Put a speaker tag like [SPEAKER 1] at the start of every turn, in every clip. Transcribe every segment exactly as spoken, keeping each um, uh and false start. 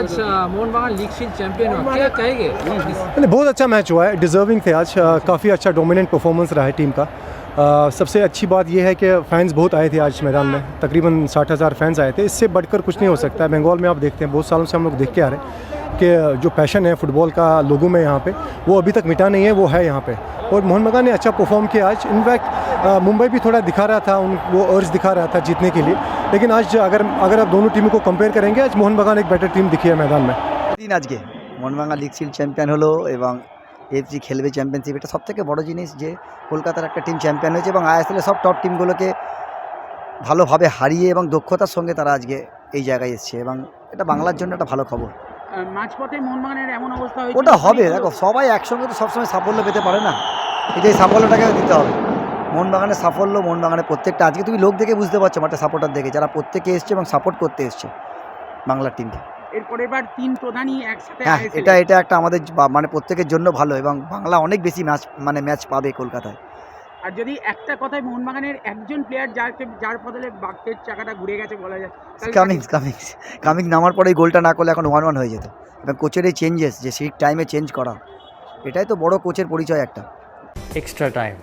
[SPEAKER 1] आज मोहन बागान league shield champion हुआ, क्या कहेंगे?
[SPEAKER 2] नहीं, बहुत अच्छा मैच हुआ है, डिज़र्विंग थे आज। काफ़ी अच्छा डोमिनेंट परफॉर्मेंस रहा है टीम का। आ, सबसे अच्छी बात यह है कि फ़ैन्स बहुत आए थे आज मैदान में, तकरीबन साठ हज़ार फैंस आए थे। इससे बढ़कर कुछ नहीं हो सकता है। बंगाल में आप देखते हैं, बहुत सालों से हम लोग देख के आ रहे हैं कि जो पैशन है फुटबॉल का लोगों में यहाँ पे, वो अभी तक मिटा नहीं है, वो है यहाँ पे। और मोहन बागान ने अच्छा परफॉर्म किया आज। इनफैक्ट मुंबई भी थोड़ा दिखा रहा था, उन वो अर्ज दिखा रहा था जीतने के लिए, लेकिन आज अगर अगर आप दोनों टीमों को कंपेयर करेंगे, आज मोहन बागान एक बेटर टीम दिखी है मैदान में।
[SPEAKER 3] দিন আজকে মোহনবাগান লিগ শিল্ড চ্যাম্পিয়ন হলো এবং এফসি খেলবে চ্যাম্পিয়নশিপ। এটা সবথেকে বড় জিনিস যে কলকাতার একটা টিম চ্যাম্পিয়ন হয়েছে এবং আইএসএলের সব টপ টিমগুলোকে ভালোভাবে হারিয়ে এবং দক্ষতার সঙ্গে তারা আজকে এই জায়গায় এসছে এবং এটা বাংলার জন্য একটা ভালো খবর।
[SPEAKER 4] মাঝপথে মোহনবাগানের এমন অবস্থা হয়েছে,
[SPEAKER 3] ওটা হবে, দেখো সবাই একসঙ্গে তো সবসময় সাফল্য পেতে পারে না, এটা এই সাফল্যটাকে দিতে হবে। মোহনবাগানের সাফল্য, মোহনবাগানের প্রত্যেকটা আজকে তুমি লোক দেখে বুঝতে পারছো, মাঠে সাপোর্টার দেখে, যারা প্রত্যেকে এসছে এবং সাপোর্ট করতে এসছে বাংলার টিমকে।
[SPEAKER 4] এরপরের বার তিন প্রধানই একসাথে
[SPEAKER 3] হ্যাঁ,
[SPEAKER 4] আইএসএল
[SPEAKER 3] এটা এটা একটা আমাদের বা- মানে প্রত্যেকের জন্য ভালো এবং বাংলা অনেক বেশি ম্যাচ মানে ম্যাচ পাবে কলকাতায়।
[SPEAKER 4] আর যদি একটা কথায় মোহনবাগানের একজন প্লেয়ার যাকে যার ফলে বাঘের চাকাটা ঘুরে গেছে বলা যায়, তাহলে
[SPEAKER 3] কামিংস কামিংস কামিং নামার পরে এই গোলটা না করলে এখন ওয়ান ওয়ান হয়ে যেত। এবং কোচের এই চেঞ্জেস, যে সেই টাইমে চেঞ্জ করা, এটাই তো বড় কোচের পরিচয় একটা।
[SPEAKER 1] Extra time.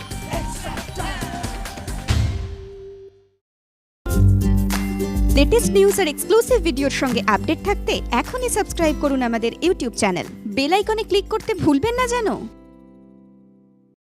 [SPEAKER 5] লেটেস্ট নিউজ আর এক্সক্লুসিভ ভিডিওর সঙ্গে আপডেট থাকতে এখনই সাবস্ক্রাইব করুন আমাদের ইউটিউব চ্যানেল। বেল আইকনে ক্লিক করতে ভুলবেন না যেন।